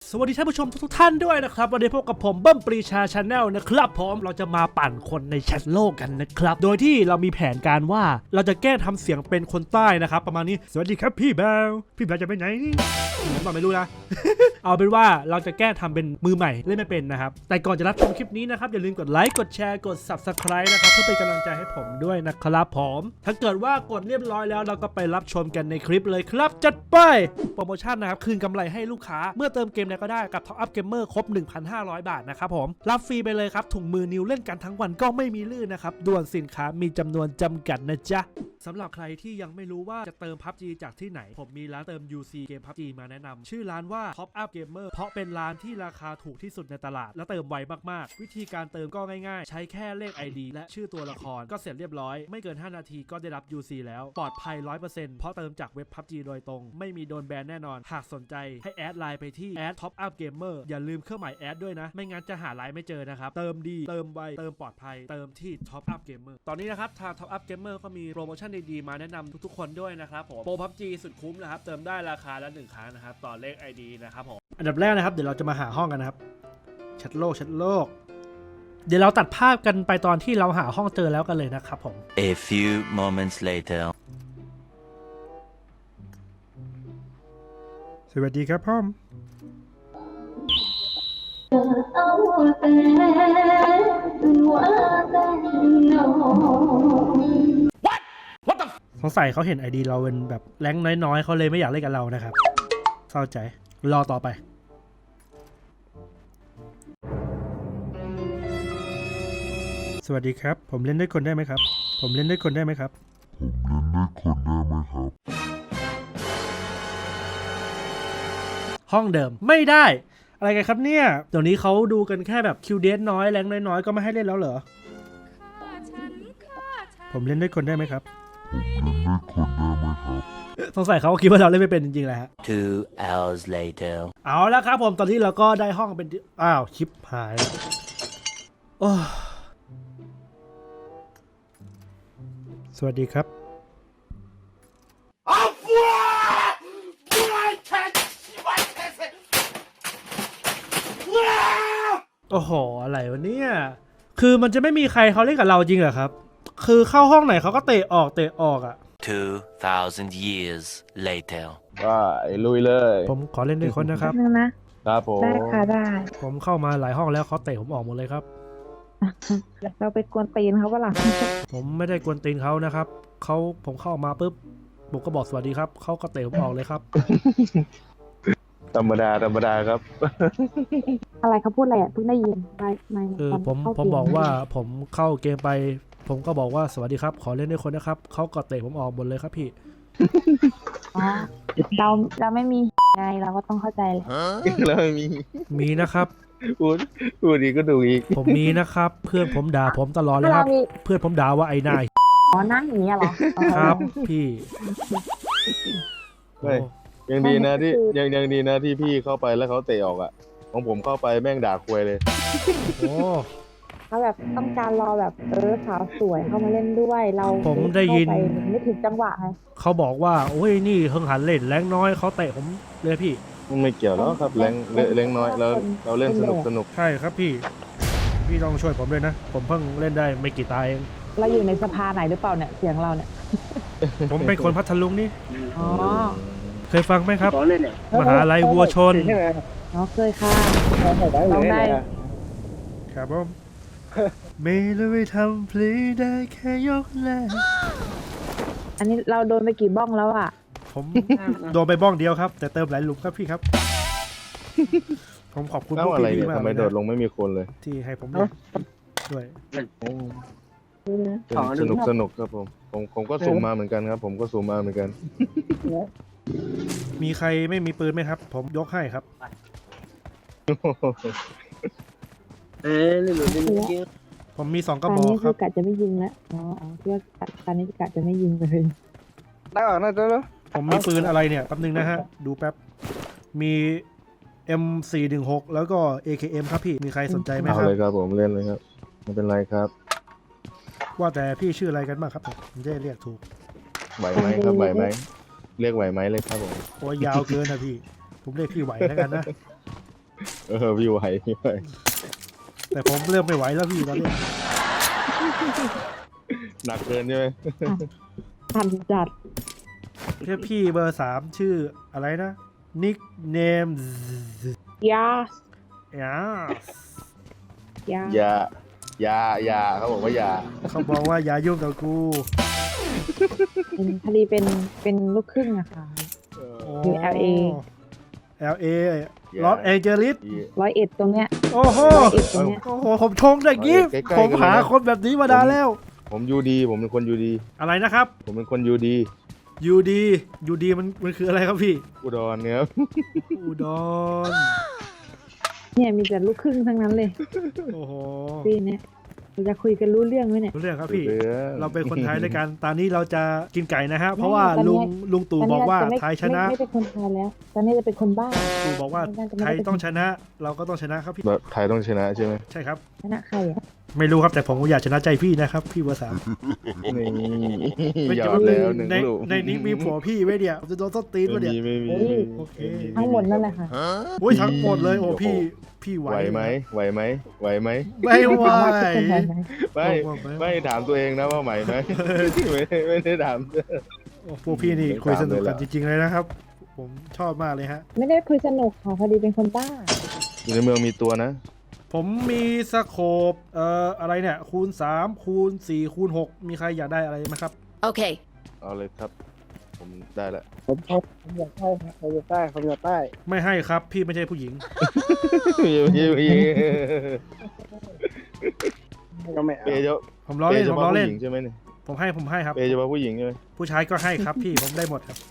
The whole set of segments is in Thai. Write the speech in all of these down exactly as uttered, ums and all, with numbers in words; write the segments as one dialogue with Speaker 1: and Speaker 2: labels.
Speaker 1: สวัสดีท่านผู้ชมทุกท่านด้วยนะครับวันนี้พบกับผมเบิ้มปรีชาชาแนลนะครับผมเราจะมาปั่นคนในแชทโลกกันนะครับโดยที่เรามีแผนการว่าเราจะแก้ทำเสียงเป็นคนใต้นะครับประมาณนี้สวัสดีครับพี่แบลพี่แบลจะไปไหนผมบอกไม่รู้นะ เอาเป็นว่าเราจะแก้ทำเป็นมือใหม่เล่นไม่เป็นนะครับแต่ก่อนจะรับชมคลิปนี้นะครับอย่าลืมกดไลค์กดแชร์กด ซับสไครบ์ นะครับเพื่อเป็นกำลังใจให้ผมด้วยนะครับผมถ้าเกิดว่ากดเรียบร้อยแล้วเราก็ไปรับชมกันในคลิปเลยครับจัดไปโปรโมชั่นนะครับคืนกำไรให้ลูกค้าเมื่อเติมเกมไหนก็ได้กับ Top Up Gamer ครบ หนึ่งพันห้าร้อย บาทนะครับผมรับฟรีไปเลยครับถุงมือนิ้วเล่นกันทั้งวันก็ไม่มีลื่นนะครับด่วนสินค้ามีจำนวนจำกัดนะจ๊ะสำหรับใครที่ยังไม่รู้ว่าจะเติม พับจี จากที่ไหนผมมีร้านเติม ยู ซี เกม พับจี มาแนะนำชื่อร้านว่า Top Up Gamer เพราะเป็นร้านที่ราคาถูกที่สุดในตลาดและเติมไวมากๆวิธีการเติมก็ง่ายๆใช้แค่เลข ไอ ดี และชื่อตัวละครก็เสร็จเรียบร้อยไม่เกินห้านาทีก็ได้รับ ยู ซี แล้วปลอดภัย ร้อยเปอร์เซ็นต์ เพราะเติมจากเว็บ พับจี โดยตรงไม่มีโดนแบนแน่นอนหากสนใจให้แอดไลน์ไปที่แอด Top Up Gamer อย่าลืมเครื่องหมายแอดด้วยนะไม่งั้นจะหาไลน์ไม่เจอนะครับเติมดีเติมไวเติมปลอดภัยเติมที่ Top Up Gamer ตอนนี้นะครับทาง Top Up Gamer ก็มีโปรโมชั่นดีๆมาแนะนำทุกๆคนด้วยนะครับผมโปร พับจี สุดคุ้มนะครับเติมได้ราคาละหนึ่งครั้งนะครับต่อเลข ไอ ดี นะครับผมอันดับแรกนะครับเดี๋ยวเราจะมาหาห้องกันนะครับแชทโลกแชทโลกเดี๋ยวเราตัดภาพกันไปตอนที่เราหาห้องเจอแล้วกันเลยนะครับผม
Speaker 2: A few moments later
Speaker 1: สวัสดีครับพ่อมสงสัยเขาเห็น ไอ ดี เราเป็นแบบแรงน้อยๆเขาเลยไม่อยากเล่นกับเรานะครับเข้าใจรอต่อไปสวัสดีครับผมเล่นด้วยคนได้ไหมครับผมเล่นด้วยคนได้ไหมครับผมเล่นด้วยคนได้ไหมครับห้องเดิมไม่ได้อะไรกันครับเนี่ยเดี๋ยวนี้เขาดูกันแค่แบบคิวเดสน้อยแรงน้อยๆก็ไม่ให้เล่นแล้วเหรอผมเล่นด้วยคนได้ไหมครับผมเล่นด้วยคนได้ไหมครับสงสัยเขาคิดว่าเราเล่นไม่เป็นจริงๆแหละฮะ
Speaker 2: Two hours later
Speaker 1: เอาแล้วครับผมตอนนี้เราก็ได้ห้องเป็นอ้าวชิปหายโอ้สวัสดีครับโอ้โหอะไรวะเนี่ยคือมันจะไม่มีใครเขาเล่นกับเราจริงเหรอครับคือเข้าห้องไหนเขาก็เตะออกเตะออกอ่ะ
Speaker 2: Two thousand years later
Speaker 3: ว่าลุยเลย
Speaker 1: ผมขอเล่นด้วยคนนะครับ
Speaker 3: ครับผม
Speaker 4: ได้ค่ะได้
Speaker 1: ผมเข้ามาหลายห้องแล้วเขาเตะผมออกหมดเลยครับ
Speaker 4: เราไปกวนตีนเขาเปล่า
Speaker 1: ผมไม่ได้กวนตีนเขานะครับเขาผมเข้ามาปุ๊บผมก็บอกสวัสดีครับเขาก็เตะผมออกเลยครับ
Speaker 3: ธรรมดาธรรมดาครับ
Speaker 4: อะไรเขาพูดอะไรอ่ะเพิ่งได้ยินไม่ไม่
Speaker 1: คือผมผมบอกว่าผมเข้าเกมไปผมก็บอกว่าสวัสดีครับขอเล่นด้วยคนนะครับเขาก็เตะผมออกหมดเลยครับพี่
Speaker 4: อ๋อเราเราไม่มีไงเราก็ต้องเข้าใจเลย
Speaker 3: เราไม่มี
Speaker 1: มีนะครับ
Speaker 3: พูดพูดอีกก็ดูอีก
Speaker 1: ผมมีนะครับเพื่อนผมด่าผมตลอดเลยครับเพื่อนผมด่าว่าไอ้นาย
Speaker 4: อ๋อนั่งอย่างนี้เหรอ
Speaker 1: ครับพี่
Speaker 3: ยังดีนะที่ยังยังดีนะที่พี่เข้าไปแล้วเขาเตะออกอ่ะของผมเข้าไปแม่งด่าควยเลย
Speaker 1: โอ้
Speaker 4: เขาแบบต้องการรอแบบเออสาวสวยเข้ามาเล่นด้วยเรา
Speaker 1: ผมได้ยิน
Speaker 4: ไม่ถึงจังหวะไง
Speaker 1: เขาบอกว่าโอ้ยนี่เพิ่งหันเล่นแรงน้อยเขาเตะผมเลยพี่
Speaker 3: ไม่เกี่ยวแล้วครับแรงแรงน้อยแล้วเราเล่นสนุกสนุก
Speaker 1: ใช่ครับพี่พี่ต้องช่วยผมด้วยนะผมเพิ่งเล่นได้ไม่กี่ตาเอง
Speaker 4: เราอยู่ในสภาไหนหรือเปล่าเนี่ยเสียงเราเนี่ย
Speaker 1: ผมเป็นคนพัทลุงนี่
Speaker 4: อ๋อ
Speaker 1: เคยฟังไหมครับมหาลัยวัวชน
Speaker 4: อ๋อเคยค่ะลองได้
Speaker 1: ครับผมไม่เลยไม่ทำพลีได้แค่ยกแรก
Speaker 4: อันนี้เราโดนไปกี่บ้องแล้วอ่ะ
Speaker 1: ผมโดนไปบ้องเดียวครับแต่เติมหลายหลุมครับพี่ครับผมขอบคุณ
Speaker 3: ผู้พี่มากทำไมโดดลงไม่มีคนเลย
Speaker 1: ที่ให้ผมด้วยด้วย
Speaker 3: สนุกสนุกครับผมผมผมก็สูงมาเหมือนกันครับผมก็สูงมาเหมือนกัน
Speaker 1: มีใครไม่มีปืนไหมครับผมยกให้ครับ
Speaker 5: เออนี่หนูจะมีเยอะ
Speaker 1: ผมมีสองกระบอกครับ
Speaker 4: กะจะไม่ยิงแล้วอ๋อเพื่อตอนนี้กะจะไม่ยิงเลย
Speaker 3: ได้หรอน่าจะแล้ว
Speaker 1: ผมมีปืนอะไรเนี่ยแป๊บนึงนะฮะดูแป๊บมี เอ็ม สี่หนึ่งหก แล้วก็ เอ เค เอ็ม ครับพี่มีใครสนใจไหมครับ
Speaker 3: เอาเลยครับผมเล่นเลยครับไม่เป็นไรครับ
Speaker 1: ว่าแต่พี่ชื่ออะไรกันบ้างครับผมจะเรียกถูก
Speaker 3: ไหวไหมครับไหวไหมเรียกไหวไหมเลยครับผม
Speaker 1: โอ้ยยาวเกินนะพี่ผมเรียกพี่ไหวแล้วกันนะ
Speaker 3: เออพี่ไหวพี่ไหว
Speaker 1: แต่ผมเริ่มไม่ไหวแล้วพี่ตอนนี้
Speaker 3: หนักเกินใช่ไหม
Speaker 4: ทันจัด
Speaker 1: เรียกพี่เบอร์สามชื่ออะไรนะนิกเนม
Speaker 4: ยา
Speaker 1: ยา
Speaker 4: ยา
Speaker 3: อย่าอย่าอย่าเขาบอกว่าอย่า
Speaker 1: เขาบอกว่าอย่ายุ่งกับกู
Speaker 4: เป็นพอดีเป็นเป็นลูกครึ่งอะค่ะ อยู่ แอล เอ
Speaker 1: แอล เอ ลอสแองเจลิส
Speaker 4: ร้อยเอ็ดตรงเนี้ย
Speaker 1: โอ้โห
Speaker 4: ร้อยเอ็ดตรงเนี้ย
Speaker 1: โอ้โหผมชงอย่างนี้
Speaker 3: ใกล้ๆ
Speaker 1: ผม
Speaker 3: กันเลยนะ
Speaker 1: หาคนแบบนี้มานานแล้ว
Speaker 3: ผมยูดีผมเป็นคนยูดี
Speaker 1: อะไรนะครับ
Speaker 3: ผมเป็นคนยูดี
Speaker 1: ยูดียูดีมันมันคืออะไรครับพี่
Speaker 3: อุดรเนี่ยครับ
Speaker 1: อุดร
Speaker 4: เนี่ยมีแต่ลูกครึ่งทั้งนั้นเลย
Speaker 1: โอ้โห
Speaker 4: ปีเนี้ยเราจะคุยกันรู้เรื่องไหมเนี่ย
Speaker 1: รู้เรื่องครับพี่
Speaker 3: เสือ
Speaker 1: เราเป็นคนไทยด้วยกัน ตอนนี้เราจะกินไก่นะฮะ เพราะ
Speaker 4: ไม่
Speaker 1: ว่า
Speaker 4: ตอนนี้
Speaker 1: ลุงลุงตู่บอกว่า
Speaker 4: ตอนนี้
Speaker 1: ไทยชนะ
Speaker 4: ไม่ไม่เป็นคนไทยแล้ว ตอนนี้จะเป็นคนบ้า
Speaker 1: ตู่บอกว่า
Speaker 4: ไม่น่าจะไม่
Speaker 1: ไท
Speaker 4: ได้
Speaker 1: ย
Speaker 4: เป็น
Speaker 1: ต้องชนะ เราก็ต้องชนะครับพี่
Speaker 3: แบบไทยต้องชนะใช่ไหม
Speaker 1: ใช่ครับ
Speaker 4: ชนะใครอ่ะ
Speaker 1: ไม่รู้ครับแต่ผมอยากชนะใจพี่นะครับ พี่เบอร์สาม
Speaker 3: นี่หยอดแล้วหนึ่ง
Speaker 1: ใน
Speaker 3: ลูก
Speaker 1: ในนี้มีผัวพี่ไว้เดียวจะโดนต้นตีน
Speaker 3: ไม่
Speaker 1: วะเดีย
Speaker 3: มี
Speaker 1: ว
Speaker 3: ไม่มี
Speaker 4: โอ้ย
Speaker 1: โอเค
Speaker 4: ทั้งหมดนั่นแหละค่ะ
Speaker 1: โอ้ยทั้งหมดเลยโอ้พี่พี่ไหว
Speaker 3: ไหวไหมไหวไหมไหวไหม
Speaker 1: ไม่ไหว
Speaker 4: ถามว่าทุกคนไหวไหม
Speaker 3: ไม่ไม่ถามตัวเองนะว่าไหวไหมไม่ได้ไม่ได้ถาม
Speaker 1: โอ้พวกพี่นี่คุยสนุกกันจริงๆเลยนะครับ ผมชอบมากเลยฮะ
Speaker 4: ไม่ได้คุยสนุกค่ะพอดีเป็นคนบ้า
Speaker 3: อยู่ในเมืองมีตัวนะ
Speaker 1: ผมมีสโคปเอ่ออะไรเนี่ยคูณสามคูณสี่คูณหกมีใครอยากได้อะไรไหมครับ
Speaker 6: Okay.
Speaker 3: เอาเลยครับ ผมได้ละ
Speaker 5: ผมชอบผมอยากได้ครับผมอยากได้ผมอยากได้
Speaker 1: ไม่ให้ครับพี่ไม่ใช่ผู้หญิง
Speaker 3: ยิงยิงยิง
Speaker 5: ก็ไม่เอา
Speaker 3: เปย์เฉ
Speaker 1: ผมล้อเล่น
Speaker 3: เฉ
Speaker 1: ผม
Speaker 3: พาะ
Speaker 1: ล้อ
Speaker 3: ผู้
Speaker 1: เล่น
Speaker 3: หญิงใช่ไหมเนี่ย
Speaker 1: ผมให้ผมให้ครับ
Speaker 3: เปย์เฉพาะผู้หญิงใช่ไหม
Speaker 1: ผู้ชายก็ให้ครับพี่ผมได้หมดครับ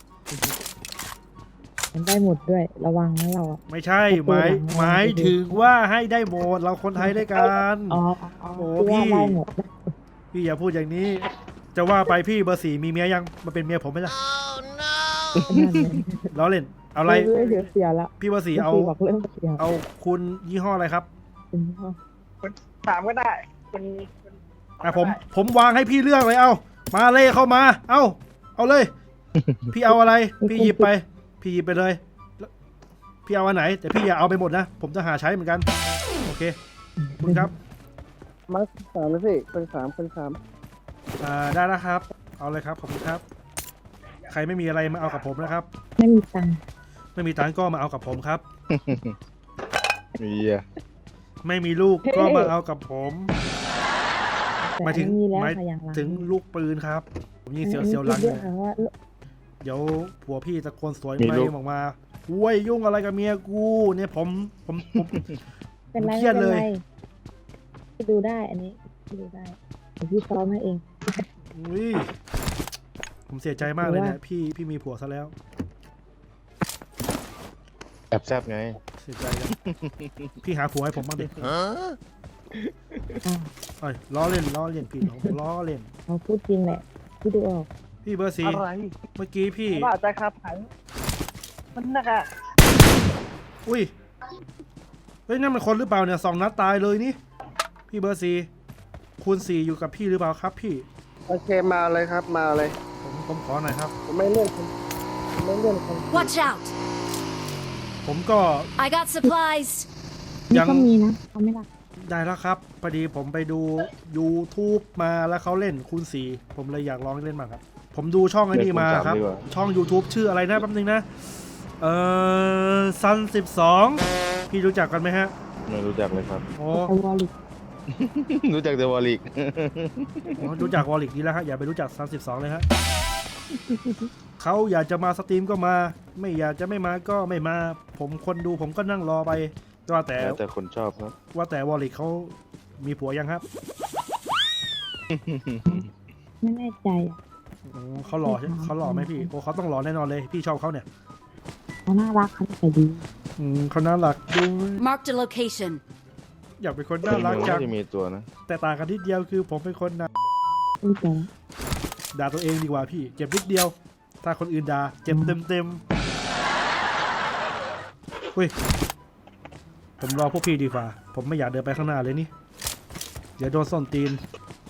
Speaker 4: มันได้หมดด้วย ระวังนะเราอ่ะ
Speaker 1: ไม่ใช่หมายหมายถึงว่าให้ได้หมดเราคนไทยด้วยกัน
Speaker 4: อ๋ออ๋อ
Speaker 1: โอ้
Speaker 4: คือว่า
Speaker 1: พี่
Speaker 4: ได้หมด
Speaker 1: พี่อย่าพูดอย่างนี้ จะว่าไปพี่เบอร์สี่มีเมียยังมาเป็นเมียผมไหมล่ะล้อเล่นเอาอะไร
Speaker 4: เรื่องเสียๆแล้ว
Speaker 1: พี่เบอร์สี่เอา
Speaker 4: บอกเรื่องเสีย
Speaker 1: เอาคุณยี่ห้ออะไรครับ
Speaker 4: เป็นพ่อ
Speaker 5: ถามก็ได้เป็น
Speaker 1: อ่ะผมผมวางให้พี่เลือกเลยเอามาเลยเข้ามา เอาเอาเลย พี่เอาอะไร พี่หยิบไป พี่หยิบไปเลยแล้วพี่เอาอันไหน แต่พี่อย่าเอาไปหมดนะ ผมจะหาใช้เหมือนกัน โอเคคุณครับ
Speaker 5: มาสามนะพี่คนสามคนสาม
Speaker 1: อ่าได้แล้วครับ เอาเลยครับขอบคุณครับ ใครไม่มีอะไรมาเอากับผมนะครับ
Speaker 4: ไม่มีตังค์
Speaker 1: ไม่มีตังค์ก็มาเอากับผมครับ
Speaker 3: มีอ่ะ
Speaker 1: ไม่มีลูกก็มาเอากับผม
Speaker 4: แต่
Speaker 1: หมายถึง
Speaker 4: อันนี้มีแล้ว
Speaker 1: หมาย
Speaker 4: ค่ะอย่างหลัง
Speaker 1: ถึงลูกปืนครับ ผมยิงเสียว
Speaker 4: อันนี้
Speaker 1: เสียวหลัง
Speaker 4: คิด
Speaker 1: เล
Speaker 4: ด้วย
Speaker 1: ย
Speaker 4: ค่ะว่า
Speaker 1: เดี๋ยวผัวพี่ตะโกนสวยไหมออกมาอุ้ยยุ่งอะไรกับเมียกูเนี่ยผมผมผม
Speaker 4: เป็นไร
Speaker 1: ผมเครี
Speaker 4: ไม่
Speaker 1: ยด
Speaker 4: เป็น
Speaker 1: เลย
Speaker 4: ไรพี่ดูได้อันนี้พี่ดูได้เดี๋ยวพี่ซ้อมให้เอง
Speaker 1: อุ้ยผมเสียใจมากเลยเนี่ยพี่พี่มีผัวซะแล้ว
Speaker 3: แอบแซบไง
Speaker 1: เสียใจจัง พี่หาผัวให้ผมบ้างดิ
Speaker 4: อ่า
Speaker 1: เอ้ยล้อเล่นล้อเล่นพี่ผมล้อเล่น
Speaker 4: เราพูดจริงแหละพี่ดูออก
Speaker 1: พี่เบอร์สี่
Speaker 5: อะไร
Speaker 1: เมื่อกี้พี่
Speaker 5: ว่าจะครับผันมันนักอะ
Speaker 1: อุ้ยเฮ้ยนั่นมันคนหรือเปล่าเนี่ยสองนัดตายเลยนี่พี่เบอร์สี่คูณสี่อยู่กับพี่หรือเปล่าครับพี่
Speaker 5: โอเคมาเลยครับมาเลย
Speaker 1: ผมผมขอหน่อยครับ
Speaker 5: ผมไม่เลื่อนคนผมไม่เลื่อนคน
Speaker 6: Watch out!
Speaker 1: ผมก็
Speaker 6: I got supplies.
Speaker 4: นี่
Speaker 1: ยัง
Speaker 4: ก็มีนะเขาไม่รัก
Speaker 1: ได้แล้วครับพอดีผมไปดู YouTube มาแล้วเขาเล่นคูณสี่ผมเลยอยากลองเล่นมางครับ ผมดูช่องไอ้นี่มาครับ
Speaker 3: เล่นคูณสามดีกว่า
Speaker 1: ช่อง YouTube ชื่ออะไรนะแป๊บนึงนะ เอ่อซันสิบสองพี่รู้จักกันไหมฮะ
Speaker 3: ไม่รู้จักเลยครับ
Speaker 1: โอ้
Speaker 4: แต่วอลลิก
Speaker 3: รู้จักแต่วอลลิก
Speaker 1: โหรู้จักวอลลิกดีแล้วฮะอย่าไปรู้จักซันสิบสองเลยฮะ เขาอยากจะมาสตรีมก็มา ไม่อยากจะไม่มาก็ไม่มา ผมคนดูผมก็นั่งรอไปว่าแต่
Speaker 3: แล้วแต่คนชอบครับ
Speaker 1: ว่าแต่วอลลิกเขามีผัวยังครับ
Speaker 4: ไม่แน่ใจอ่ะ
Speaker 1: อ๋อเขาหล่อใช่เขาหล่อไหมพี่โอ้เขาต้องหล่อแน่นอนเลยพี่ชอบเขาเนี่ย
Speaker 4: เขาน่ารักเขาใจดี
Speaker 1: อืมเขาน่ารักดู
Speaker 6: Marked a location.
Speaker 1: อยากเป็นคนน่ารักจัง
Speaker 3: น่าจะมีตัวนะ
Speaker 1: แต่ต่างกันนิดเดียวคือผมเป็นคนน่า
Speaker 4: ไม่ใจ
Speaker 1: ด่าตัวเองดีกว่าพี่เจ็บนิดเดียว ถ้าคนอื่นด่าเจ็บเต็มเต็มๆเฮ้ยผมรอพวกพี่ดีกว่า ผมไม่อยากเดินไปข้างหน้าเลยนี่ เดี๋ยวโดนส้นตีน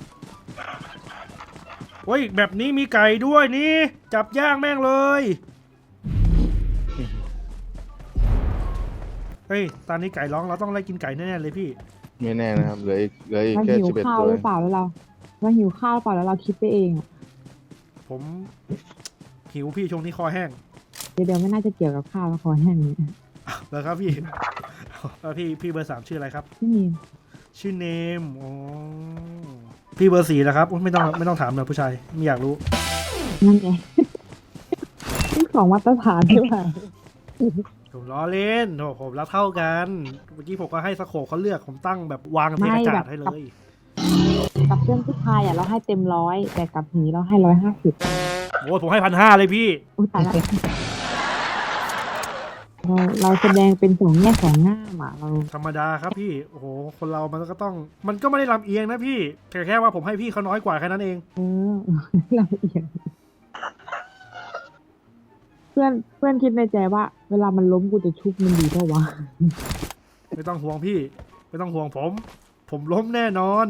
Speaker 1: เฮ้ยแบบนี้มีไก่ด้วยนี่ จับย่างแม่งเลยเฮ้ยตอนนี้ไก่ร้องเราต้องไล่กินไก่แน่ๆเลยพี่
Speaker 3: ไม่แน่นะครับเหลืออีกเหลืออีก
Speaker 4: เรา
Speaker 3: แค่
Speaker 4: หิว
Speaker 3: สิบเอ็ด
Speaker 4: ข้าว
Speaker 3: ตัว
Speaker 4: หรือเปล่าแล้วเราเราหิวข้าวหรือเปล่าแล้วเราคิดไปเองอะ
Speaker 1: ผมหิวพี่ช่วงนี้คอแห้ง
Speaker 4: เดี๋ยวเดี๋ยวไม่น่าจะเกี่ยวกับข้าวแล้วคอแห้งนี้
Speaker 1: แล้วครับพี่ แล้วพี่พี่เบอร์สามชื่ออะไรครับ
Speaker 4: พี่มีน
Speaker 1: ชื่อเนมอ๋อพี่เบอร์สี่แล้วครับโอ๊ยไม่ต้องไม่ต้องถามเลยผู้ชายไม่อยากรู้
Speaker 4: นั่นไง ที่สองมาตรฐานใช่ไหม
Speaker 1: ผมล้อเล่นโถผมรักเท่ากันเมื่อกี้ผมก็ให้สโคปเขาเลือกผมตั้งแบบวางเทกระจาดให้เลย
Speaker 4: กับเพื่อนผู้ชายอ่ะเราให้เต็มร้อยแต่กับหนีเราให้ร้อยห้าสิบ
Speaker 1: โอ้ยผมให้พันห้าเลยพี่
Speaker 4: อุ้ยตายละเราเราแสดงเป็นสองแง่สองง่ามอ่ะเรา
Speaker 1: ธรรมดาครับพี่โอ้โหคนเรามันก็ต้อง มันก็ไม่ได้ลำเอียงนะพี่แค่แค่ว่าผมให้พี่เขาน้อยกว่าแค่นั้นเอง
Speaker 4: เออ เราเอียงเพื่อนเพื่อนคิดในใจว่า เวลามันล้มกูจะชุบมันดีเท่าวะ
Speaker 1: ไม่ต้องห่วงพี่ ไม่ต้องห่วงผม ผมล้มแน่นอน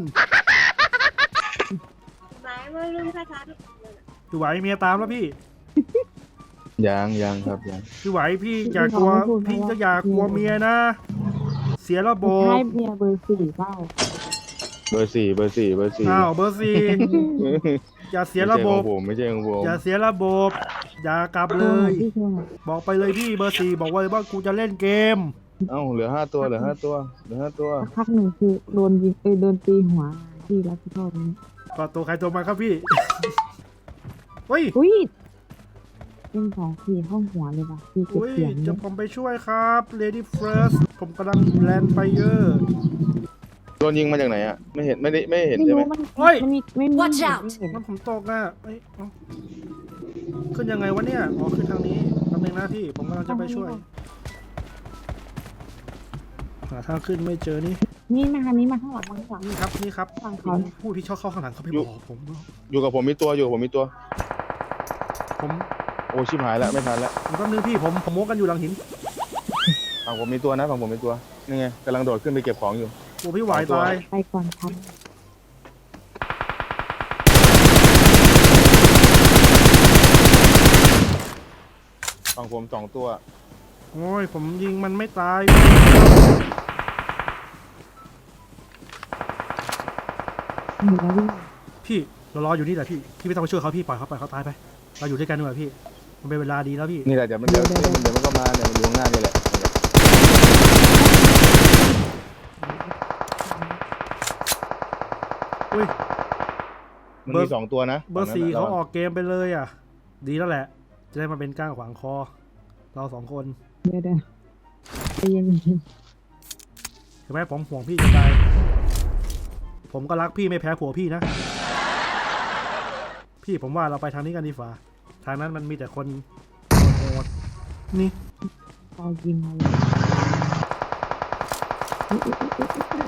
Speaker 7: หมายว่ารุ่นคาถา
Speaker 1: พี่ไหวเมียตามแล้วพี่
Speaker 3: ยังยังครับยัง
Speaker 1: พี่ไหวพี่อย่ากลัวพี่ก็อย่ากลัวเมียนะ เสียระบบ
Speaker 4: ให้เมียเบอร์สี่เปล่า
Speaker 3: เบอร์สี่เบอร์สี่เบอร์สี่
Speaker 1: อ้าวเบอร์สี่อย่าเสียระบบ
Speaker 3: ไม่ใช่ของผม
Speaker 1: อย่าเสียระบบ อย่ากลับเลย
Speaker 4: พี่ชวน
Speaker 1: บอกไปเลยพี่เบอร์สี่บอกไว้ว่ากูจะเล่นเกม
Speaker 3: เอ้าเหลือห้าตัวเหลือห้าตัวเหลือห้าตัว
Speaker 4: สักพักหนึ่งคือโดนยิงเอยโดนตีหัวที่รับผิดชอบนี้
Speaker 1: ก็ตัวใครตัวมันครับพี่ เฮ้ย
Speaker 4: อุ้ยเป็นสองสี่ห้องหัวเลยว่ะพี่เก็บ
Speaker 1: อุ้ย
Speaker 4: เสียง
Speaker 1: จะ
Speaker 4: เนี่ย
Speaker 1: ผมไปช่วยครับ Lady First ผมกำลังแลนด์ไปเยอะ
Speaker 3: โดนยิงมาจากไหนอ่ะไม่เห็นไม่ได้ไม่เห็น
Speaker 4: ไม่
Speaker 3: ใช่ไหม
Speaker 4: รู้มัน
Speaker 1: เฮ้ย
Speaker 4: มันมีไม่มี
Speaker 6: Watch out
Speaker 4: ไม่เห็น
Speaker 1: มันผมตกอ่ะเอ้ยเอ้าขึ้นยังไงวะเนี่ย อ๋อ ขึ้นทางนี้แป๊บนึงนะพี่ ผมกำลังจะไปช่วย หาทางขึ้นไม่เจอนี่
Speaker 4: นี่มาทางนี้มาข้างหลังมาข้างหลัง
Speaker 1: นี่ครับ นี่ครับ
Speaker 4: ฝั่งเขา
Speaker 1: ผู้ที่ชอบเข้าข้างหลังเขาไปบอกผม
Speaker 3: อยู่กับผมมีตัวอยู่กับผมมีตัว
Speaker 1: ผม
Speaker 3: โอ้ชิบหายแล้วไม่ทันแล้ว
Speaker 1: ผมก็นึกพี่ผมผมโม้กันอยู่หลังหิน
Speaker 3: ฝั่งผมมีตัวนะฝั่งผมมีตัวนี่ไงกำลังโดดขึ้นไปเก็บของอยู่
Speaker 1: โอ้พี่ไหวตาย
Speaker 4: ไปก่อนครับ
Speaker 3: ฝั่งผมสองตัว
Speaker 1: โอ้ย ผมยิงมันไม่ตาย
Speaker 4: หนีแล้ววิ่ง
Speaker 1: พี่เรารออยู่นี่แหละพี่ พี่ไม่ต้องไปช่วยเขาพี่ปล่อยเขาปล่อยเขาตายไป เราอยู่ด้วยกันดีกว่าพี่ มันเป็นเวลาดีแล้วพี่
Speaker 3: นี่แหละเดี๋ยวมันเดี๋ยวเดี๋ยวมันเดี๋ยวมันก็มาเนี่ยมันอยู่ข้างหน้านี่แหละ
Speaker 1: อุ้ย
Speaker 3: มัน
Speaker 1: เบอร์
Speaker 3: มีสองตัวนะ
Speaker 1: เบอร์สี่
Speaker 3: ฝั่ง
Speaker 1: เขา
Speaker 3: นั้น
Speaker 1: อ
Speaker 3: น่ะ
Speaker 1: อกเกมไปเลยอ่ะ ดีแล้วแหละ จะได้มาเป็นก้างขวางคอ เราสองคน
Speaker 4: เดี๋ยวเดี๋ยวใจเย็น
Speaker 1: เห็นไหมผมห่วงพี่จะตาย ผมก็รักพี่ไม่แพ้ผัวพี่นะ พี่ผมว่าเราไปทางนี้กันดีกว่า ทางนั้นมันมีแต่คนโหดๆนี่
Speaker 4: ๆพอยิงมาเลยอุ๊ยอุ๊ยอุ๊ยอุ๊ย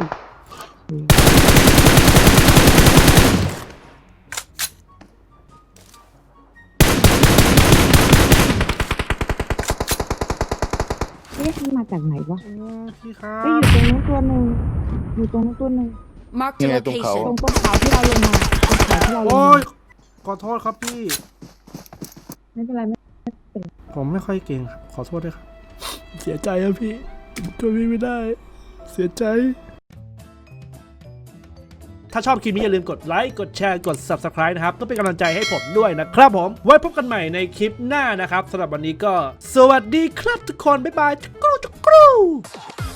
Speaker 4: อุ๊ยเอ๊ะมันมาจากไหนวะ
Speaker 1: อืมพี่ครั
Speaker 4: เอ้ย
Speaker 1: บ
Speaker 4: อยู่ตรงนู้นตัวหนึ่งอยู่ตรงนู้นตัวหนึ่ง
Speaker 6: Marked a
Speaker 3: นี่ไงตรงเขา
Speaker 6: location.
Speaker 4: ตรงต้นเขาที่เราลงมาตรงเขาที่เราลง
Speaker 1: โอ้
Speaker 4: มาย
Speaker 1: ขอโทษครับพี่
Speaker 4: ไม่เป็นไรไม่
Speaker 1: ผมไม่ค่อยเก่งครับขอโทษด้วยครับ เสียใจครับพี่ช่วยพี่ไม่ได้ เสียใจ ถ้าชอบคลิปนี้อย่าลืมกดไลค์ กดแชร์ กด ซับสไครบ์ นะครับเพื่อเป็นกำลังใจให้ผมด้วยนะครับผม ไว้พบกันใหม่ในคลิปหน้านะครับสำหรับวันนี้ก็ สวัสดีครับทุกคน บ๊ายบายจุกรูจุกรู